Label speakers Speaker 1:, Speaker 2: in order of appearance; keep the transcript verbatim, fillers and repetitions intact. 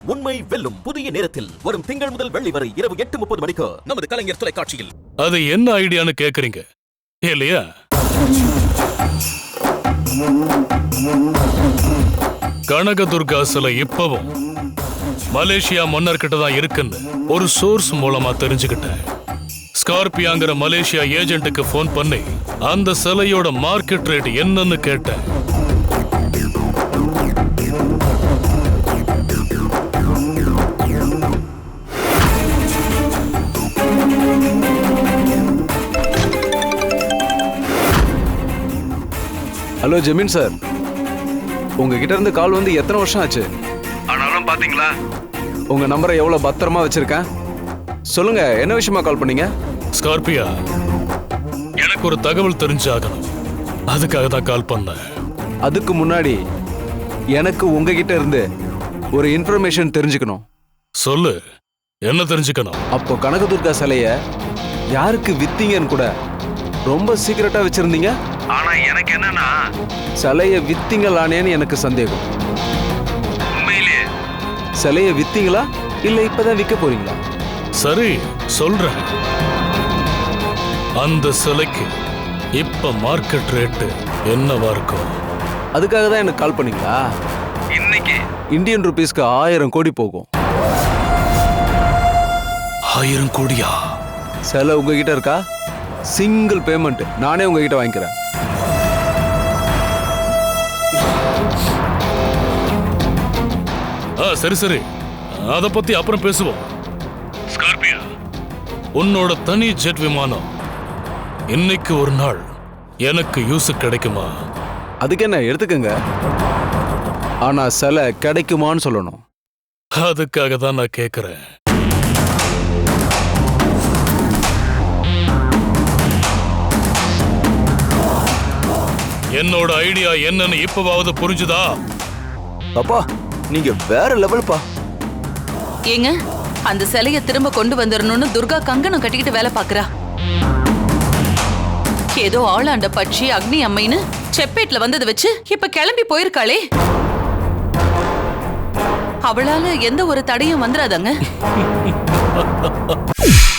Speaker 1: உண்மை வெல்லும் புதிய நேரத்தில் வரும் திங்கள் முதல் வெள்ளி வரை இரவு எட்டு முப்பது மணிக்கு நமது கலைஞர் தொலைக்காட்சியில்.
Speaker 2: அது என்ன ஐடியான்னு கேக்குறீங்க இல்லையா? கனகதுர்கா சிலை இப்பவும் மலேசியா மன்னர்கிட்ட தான் இருக்குன்னு ஒரு சோர்ஸ் மூலமா தெரிஞ்சுக்கிட்டேன். ஸ்கார்பியாங்கிற மலேசியா ஏஜென்ட்டுக்கு போன் பண்ணி அந்த சிலையோட மார்க்கெட் ரேட் என்னன்னு கேட்டேன்.
Speaker 3: ஹலோ ஜமீன் சார், உங்ககிட்ட இருந்து கால் வந்து எத்தனை வருஷம் ஆச்சு? ஆனாலும் பாத்தீங்களா உங்க நம்பரை எவ்வளவு பத்திரமா வச்சிருக்கேன். சொல்லுங்க, என்ன விஷயமா கால் பண்ணீங்க?
Speaker 2: ஸ்கார்பியா, எனக்கு ஒரு தகவல் தெரிஞ்சாகணும், அதுக்காக தான் கால் பண்ணேன்.
Speaker 3: அதுக்கு முன்னாடி எனக்கு உங்ககிட்ட இருந்து ஒரு இன்ஃபர்மேஷன் தெரிஞ்சுக்கணும்.
Speaker 2: சொல்லு, என்ன தெரிஞ்சுக்கணும்?
Speaker 3: அப்போ கனகதுர்கா சிலைய யாருக்கு வித்தீங்கன்னு கூட ரொம்ப சீக்கிரட்டா வச்சிருந்தீங்க. ஆனா எனக்கு என்னன்னா, சிலைய வித்தீங்களானேன்னு எனக்கு சந்தேகம். உண்மையிலேயே சிலைய வித்தீங்களா இல்ல இப்பதான் விற்க போறீங்களா?
Speaker 2: சரி, சொல்றேன். அந்த சிலைக்கு இப்ப மார்க்கெட் ரேட்டு என்னவா இருக்கும்?
Speaker 3: அதுக்காக தான் எனக்கு கால் பண்ணீங்களா? இன்னைக்கு இந்தியன் ருபீஸ்க்கு ஆயிரம் கோடி போகும்.
Speaker 2: ஆயிரம் கோடியா?
Speaker 3: சிலை உங்ககிட்ட இருக்கா? சிங்கிள் பேமெண்ட் நானே உங்ககிட்ட வாங்கிக்கிறேன்.
Speaker 2: ஆ, சரி சரி, அத பத்தி அப்புறம் பேசுவோம். ஸ்கார்பியா, உன்னோட தனி ஜெட் விமானம் இன்னைக்கு ஒரு நாள் எனக்கு யூஸ் கிடைக்குமா?
Speaker 3: அதுக்கு என்ன, எடுத்துக்கங்க. ஆனா சிலை கிடைக்குமான்னு சொல்லணும்.
Speaker 2: அதுக்காக தான் நான் கேக்குறேன். என்னோட ஐடியா என்னன்னு இப்பவாவது புரிஞ்சுதா?
Speaker 4: அப்பா, நீங்க வேற லெவல்ப்பா.
Speaker 5: ஏங்க, அந்த சிலைய திரும்ப கொண்டு வந்துடணும்னு துர்கா கங்கணம் கட்டிக்கிட்டு வேலை பாக்குறா. ஏதோ ஆளாண்ட பட்சி அக்னி அம்மைன்னு செப்பேட்ல வந்ததை வச்சு இப்ப கிளம்பி போயிருக்காளே. அவளால எந்த ஒரு தடையும் வந்துடாதாங்க.